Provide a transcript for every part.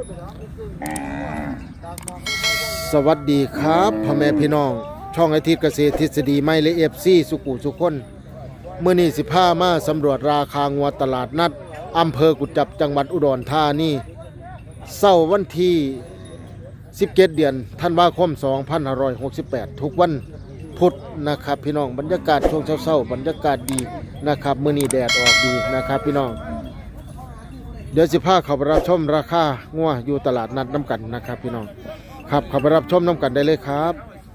สวัสดีครับพ่อแม่พี่น้องช่องอาทิตย์เกษตรทฤษฎีไม้และFCสุกุสุคนเมื่อนี้15มาสำรวจราคางัวตลาดนัดอำเภอกุจจับจังหวัดอุดรธานีเสาร์วันที่17 เดือนธันวาคม 2568 ทุกวันพุธนะครับพี่น้องบรรยากาศช่วงเช้าๆบรรยากาศดีนะครับมื้อนี้แดดออกดีนะครับพี่น้องเดี๋ยว15เข้าไปรับชมราคางัวอยู่ตลาดนัดน้ำกันนะครับพี่น้องครับเข้าไปรับชมน้ำกันได้เลยครับ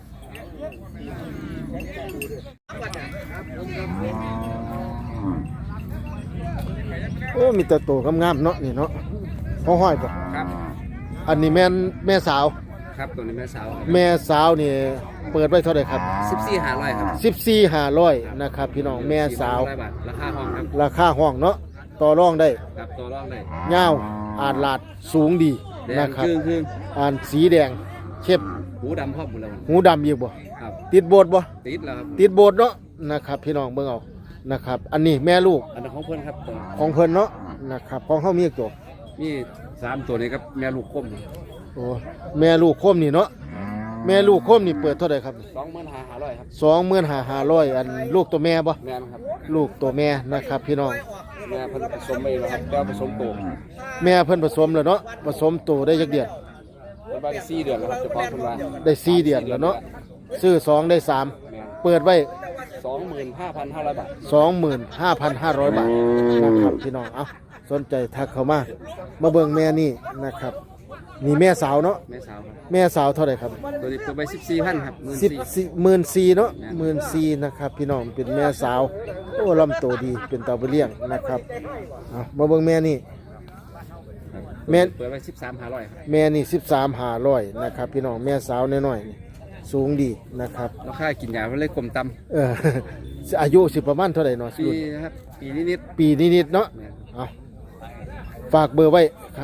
โอ้มีแต่โตงามๆเนาะนี่เนาะห้อยๆป่ะครับอันนี้แม่สาวครับตัวนี้แม่สาวนี่เปิดไว้เท่าไหร่ครับ 14,500ครับ 14,500นะครับพี่น้องแม่สาวราคาห้องครับราคาห้องเนาะต่อรองได้ครับต่อรองได้ยาวอาดลาดสูงดีนะครับอ่านสีแดงเข้มหูดำพร้อมหมดแล้วหูดำอีกบ่ครับติดโบสถ์บ่ติดแล้วครับติดโบสถ์เนาะนะครับพี่น้องเบิ่งเอานะครับอันนี้แม่ลูกอันนั้นของเพิ่นครับของเพิ่นเนาะนะครับของเฮามีอีกตัวมี3ตัวนี้ครับแม่ลูกคมโอ้แม่ลูกคมนี่เนาะแม่ลูกคมนี่เปิดเท่าไหร่ครับ 25,500ครับ 25,500อันลูกตัวแม่บ่แม่นครับลูกตัวแม่นะครับพี่น้องแม่เพิ่นผสมไปแล้วครับแล้วผสมโตแม่เพิ่นผสมแล้วเนาะผสมโตได้จักเดือนประมาณ4 เดือนแล้วครับเฉพาะเพิ่นว่าได้4 เดือนแล้วเนาะซื้อ2ได้3เปิดไว้ 25,500 บาท 25,500 บาทนะครับพี่น้องเอาสนใจทักเข้ามาเบิ่งแม่นี่นะครับนี่แม่สาวเนาะแม่สาวครับแม่สาวเท่าไหร่ครับตัวนี้เปิดไป14,000ครับ 14,000เนาะ14,000นะครับพี่น้องเป็นแม่สาวโอ้ลำโตดีเป็นตาไปเลี้ยงนะครับเอามาเบิ่งแม่นี่แม่เปิดไป13,500ครับแม่นี่13,500นะครับพี่น้องแม่สาวน้อยๆสูงดีนะครับราคากินยาเพิ่นเลยกลมต่ำอายุสิประมาณเท่าไหร่เนาะปีครับปีนิดเนาะเอาฝากเบอร์ไว้ครับ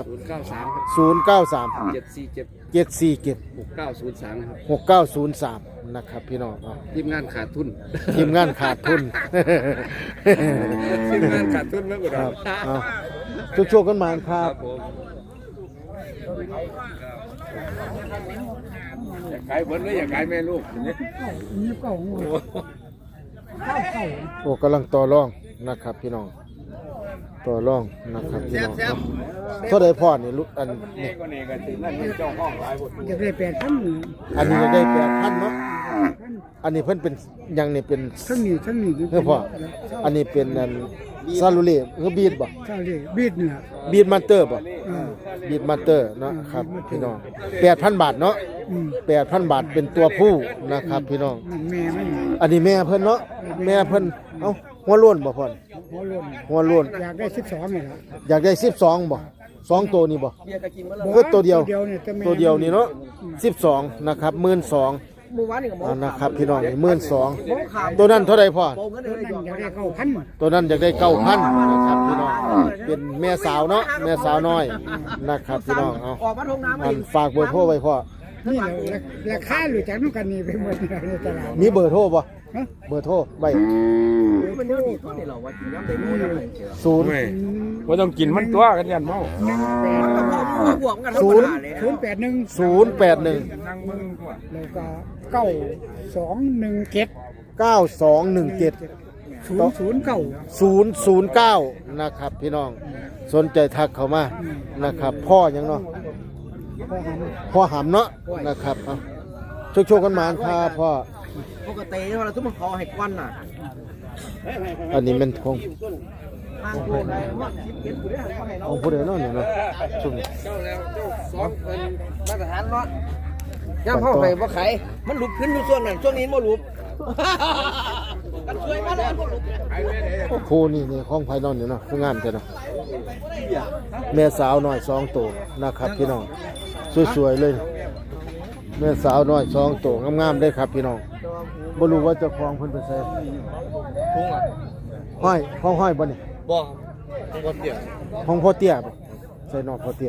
093 747 6903นะครับพี่น้องทีมงานขาดทุนทีมงานขาดทุนมากกว่าเราโชคกันมาครับอยากขายเบิ้ลหรืออยากขายแม่ลูกโอ้กำลังต่อรองนะครับพี่น้องต่อรองนะครับพี่น้องเท่าใดพ่อนี่ลุอันนี้จะได้8,000 อันนี้จะได้8,000เนาะอันนี้เพิ่นเป็นยังนี่เป็นทั้งนี้เฮ้อพ่ออันนี้เป็นอันซาลูเล่คือบีดบ่ซาลูเล่บีดเนี่ยบีดมาสเตอร์บ่บีดมาสเตอร์เนาะครับพี่น้อง 8,000 บาทเนาะ8,000 บาทเป็นตัวผู้นะครับพี่น้องแม่มันอันนี้แม่เพิ่นเนาะแม่เพิ่นเอ้าหัวโล้นบ่พ่อหัวโล้นอยากได้12นี่ล่ะอยากได้12บ่2ตัวนี่บ่ก็ตัวเดียวนี่เนาะ12นะครับ12,000นะครับพี่น้องนี่12,000ตัวนั้นเท่าไหร่พ่อตัวนั้นอยากได้9,000นะครับพี่น้องเป็นแม่สาวเนาะแม่สาวน้อยนะครับพี่น้องเอาฝากเบอร์โทรไว้พ่อนี่ราคาหรือจากนู้นกันนี่ไปหมดในตลาดมีเบอร์โทรป่ะเบอร์โทรใบว่าต้องกินมันตัวกันยันเมา 081 แล้วก็9217 009นะครับพี่น้องสนใจทักเข้ามานะครับพ่อยังเนาะพ่อหำเนาะนะครับโชคกันมาครับพ่อปกติเราทุกมันคอให้ควันน่ะอันนี้มันของผู้ใดเนาะนี่เนาะช่วงนี้มาตรฐานเนาะย่างพ่อไปว่าไข่มันหลุดขึ้นอยู่ส่วนนั้นช่วงนี้มันหลุดกันช่วยมาเลยโอ้โหนี่ของภายนอกนี่เนาะคืองามจังเนาะแม่สาวน้อย2ตัวนะครับพี่น้องสวยๆเลยแม่สาวน้อย2ตัวงามๆได้ครับพี่น้องบ่รู้ว่าเจ้าของเพิ่นไปใส่ห้อยบ่นี่บ่บ่เตี้ยของพ่อเตี้ยบ่ใส่นอกพ่อเตี้ย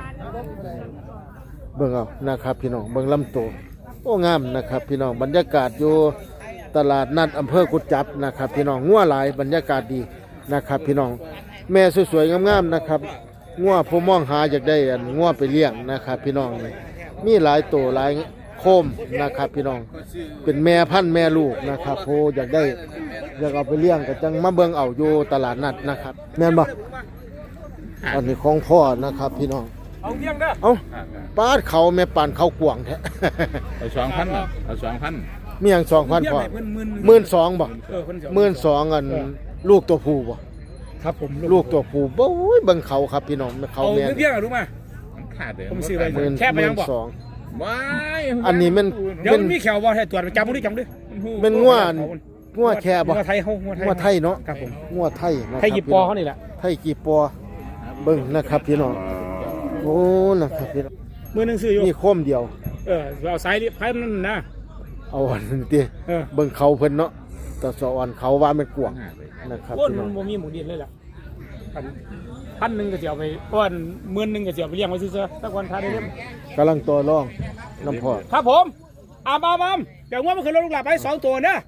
เบิ่งเอานะครับพี่น้องเบิ่งลำตัวโอ้งามนะครับพี่น้องบรรยากาศอยู่ตลาดนัดอำเภอกุจจับนะครับพี่น้องงัวหลายบรรยากาศดีนะครับพี่น้องแม่สวยๆงามๆนะครับงัวผู้มองหาอยากได้อันงัวไปเลี้ยงนะครับพี่น้องนี่มีหลายตัวหลายโคมนะครับพี่น้องเป็นแม่พันธุ์แม่ลูกนะครับโหอยากได้อยากเอาไปเลี้ยงก็จังมาเบิ่งเอาอยู่ตลาดนัดนะครับแม่นบ่อันนี้ของพ่อนะครับพี่น้องเอาเลี้ยงเด้อเอาปาดเขาแม่ปานเขากวางแท้เอา2,000เอา2,000 มีหยัง 2,000 พ่อ 12,000บ่12,000อันลูกตัวผู้บ่ครับผมลูกตัวผู้โอ้ยเบิ่งเขาครับพี่น้องเขาเอาแม่นเพียงรู้มามันขาดเด้อผมซื้อไป 12,000 แค่ไปยังบอกว้ายอันนี้มันเดี๋ยวมันมีแขวบ่ให้ตรวจจำบ่ได้จำด้วยเป็นงัวแค่บ่งัวไทยเฮางัวไทยเนาะครับผมงัวไทยนะครับไทยหยิบปอเขานี่แหละไทยกี่ปอเบิ่งนะครับพี่น้องโอ้นะครับพี่น้องมือหนึงซื้ออยู่มีโคมเดียวเอาสายไผนั่นนะเอาอันนี้ติ เบิ่งเขาเพิ่นเนาะตะสะอ่อนเขาว่ามันกวางนะครับโอ้พี่น้องบ่มีหมูดินเลยล่ะพันหนึงก็สิเอาไปป้อน10,000ก็สิเอาไปเลี้ยงไว้ซื่อๆสักวันทาได้เล่มกำลังต่อรองน้ำพอดครับผมอามเดี๋ยวงัวมันขึ้นรถลูกหลานไป2ตัวนะ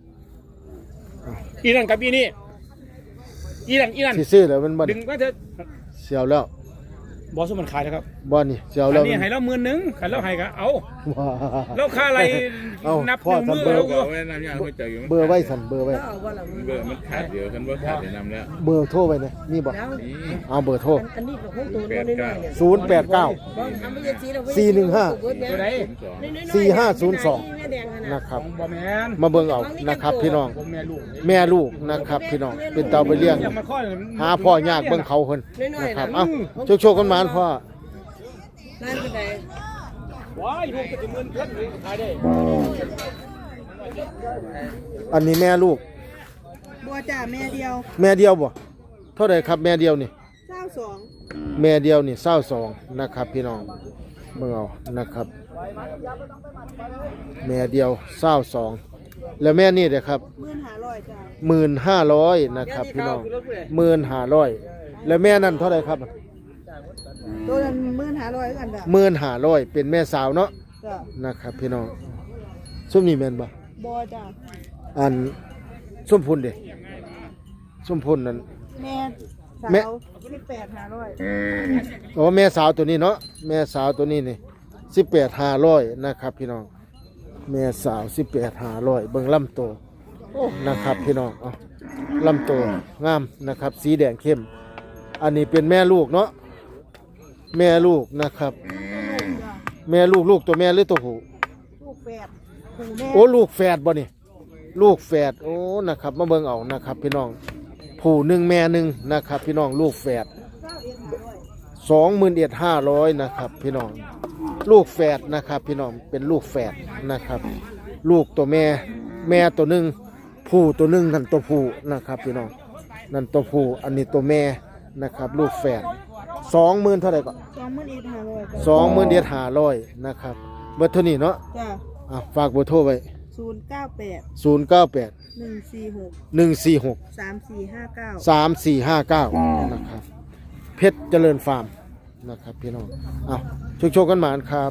อีนั่นกับอีนี่อีนั่นสิซื้อแล้วมันบ่ดึงก็เถอะเสียวแล้วบอสมันขายแล้วครับบ่นี่เสียวอัแล้นวนี้ให้เรา10,000ขันเราให้ก็เอาว้าแล้วค่าอะไรเอ้านับพ่อหนึ่งทำมือเบอร์แล้วเอาไว้น้ำยาหัวใจอยู่เบอร์ไว้สั่นเบอร์ไว้เบอร์มันขาดเดียวคันบ่ขาดได้นำแล้วเบอร์โทรไว้เนี่ยมีบ่นี่เอาเบอร์โทรอันนี้ก็ของตัวน้อยๆเนี่ย 089 415 ตัวไหน 4502 นะครับของบอแมนมาเบิ่งเอานะครับพี่น้องผมแม่ลูกแม่ลูกนะครับพี่น้องเป็นเตาไปเลี้ยงอย่ามาข้อหาพ่อยากเบิ่งเขาเพิ่นนะครับเอ้าโชคๆกันหมานพ่อร้านเป็นไงว้ายลูกก็จะเงินเพิ่นเลยขายได้อันนี้แม่ลูกบัวจ่าแม่เดียวแม่เดียวบ่เท่าไหร่ครับแม่เดียวนี่ 22 แม่เดียวนี่22นะครับพี่น้องเบิ่งเอานะครับ แม่เดียว22แล้วแม่นี่เด้อครับ 1500จ้า 15,000นะครับพี่น้อง15,000แล้วแม่นั่นเท่าไหร่ครับตัวนั้น1500กันจ้ะ 15,000เป็นแม่สาวเนาะจ้ะนะครับพี่น้องส้มนี่แม่นบ่บัวจ้าอันส้มพุ่นเด้ส้มพุ่นนั่นแม่สาแม่ว18,500 โอ้แม่สาวตัวนี้เนาะแม่สาวตัวนี้นี่18,500นะครับพี่น้องแม่สาว18,500เบิ่งลำโตโอ้นะครับพี่น้องเอาลำโตงามนะครับ สีแดงเข้ม อันนี้เป็นแม่ลูกเนาะแม่ลูกนะครับจ้ะแม่ลูกตัวแม่หรือตัวผู้ลูกแฝดผู้แม่โอ้ลูกแฝดบ่นี่ลูกแฝดโอ้นะครับมาเบิ่งเอานะครับ พี่น้องผู้หนึ่งแม่หนึ่งนะครับ พี่น้องลูกแฝด21,500นะครับพี่น้องลูกแฝดนะครับ พี่น้องเป็นลูกแฝดนะครับ ลูกตัวแม่แม่ตัวหนึ่งผู้ตัวหนึ่งนั่นตัวผู้นะครับ พี่น้องนั่นตัวผู้อันนี้ตัวแม่นะครับ ลูกแฝด20,000เท่าไหร่ก็ 21,500จ้ะ 21,500นะครับเบอร์โทรนี้เนาะจ้ะฝากเบอร์โทรไว้ 098 098 146 146 3459 3459นะครับเพชรเจริญฟาร์มนะครับพี่น้องเอาโชคๆกันหมานครับ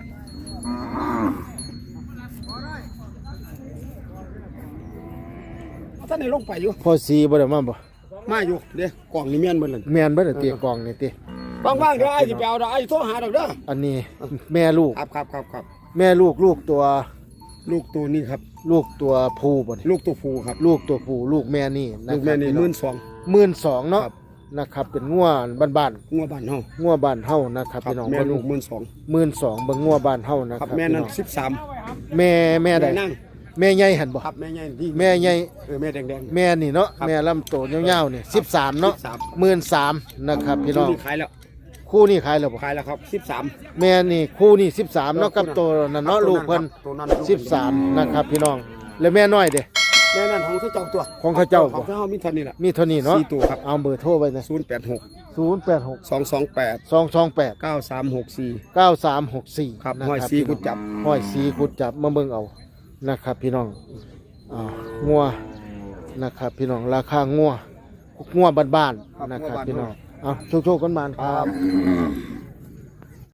ท่านในลงไปอยู่พอสีบ่ได้มาบ่มาอยู่เด้กล่องนี่แม่นเบิ่นนั่นแม่นบ่ได้เตียกล่องนี่ติว่างๆเดี๋ยวไอ้สิไปเอาดอกไอ้โทรหาดอกเด้ออันนี้แม่ลูกครับแม่ลูกตัวลูกตัวนี้ครับลูกตัวผู้บ่นี่ลูกตัวผู้ครับลูกตัวผู้ลูกแม่นี่นะลูกครัแม่บนี่พี่อง12,000เนาะครับนะครับเป็นงัวบ้านงัวบ้านเฮาๆงัวบ้านเฮานะครับครับพี่น้องแม่เบิ่งลูก12,000 12,000เบิ่งงัวบ้านเฮานะคครัรับบแม่นั้นพี่อง 13 แม่ใดนั่งแม่ใหญ่หั่นบ่ครับแม่ใหญ่ที่แม่ใหญ่แม่แดงแม่นี่เนาะครับแม่ลำโตยาวๆนี่13เนาะ 13 13,000นะครับๆพี่น้องตัวขายแล้วคู่นี้ขายแล้วบ่ขายแล้วครับ13 แม่นี่คู่นี้13เนาะกับตัวนั่นเนาะลูกเพิ่นตัวนั้น 13นะครับพี่น้องแล้วแม่น้อยเด้แม่นั่นของเขาเจ้าตัวของเขาเจ้าขบ่องเขามีเท่านี้ล่ะมีเท่านี้เนาะสี่ตัวครับเอาเบอร์โทรไว้นะ 086 086 228 228 9364 9364 ครับนะห้อยสีกุดจับห้อยสีกุดจับมาเบิ่งเอานะครับ พี่น้องงัวนะครับ พี่น้องราคางัวบ้านๆนะครับพี่น้องเอาโชคๆกันมานครับ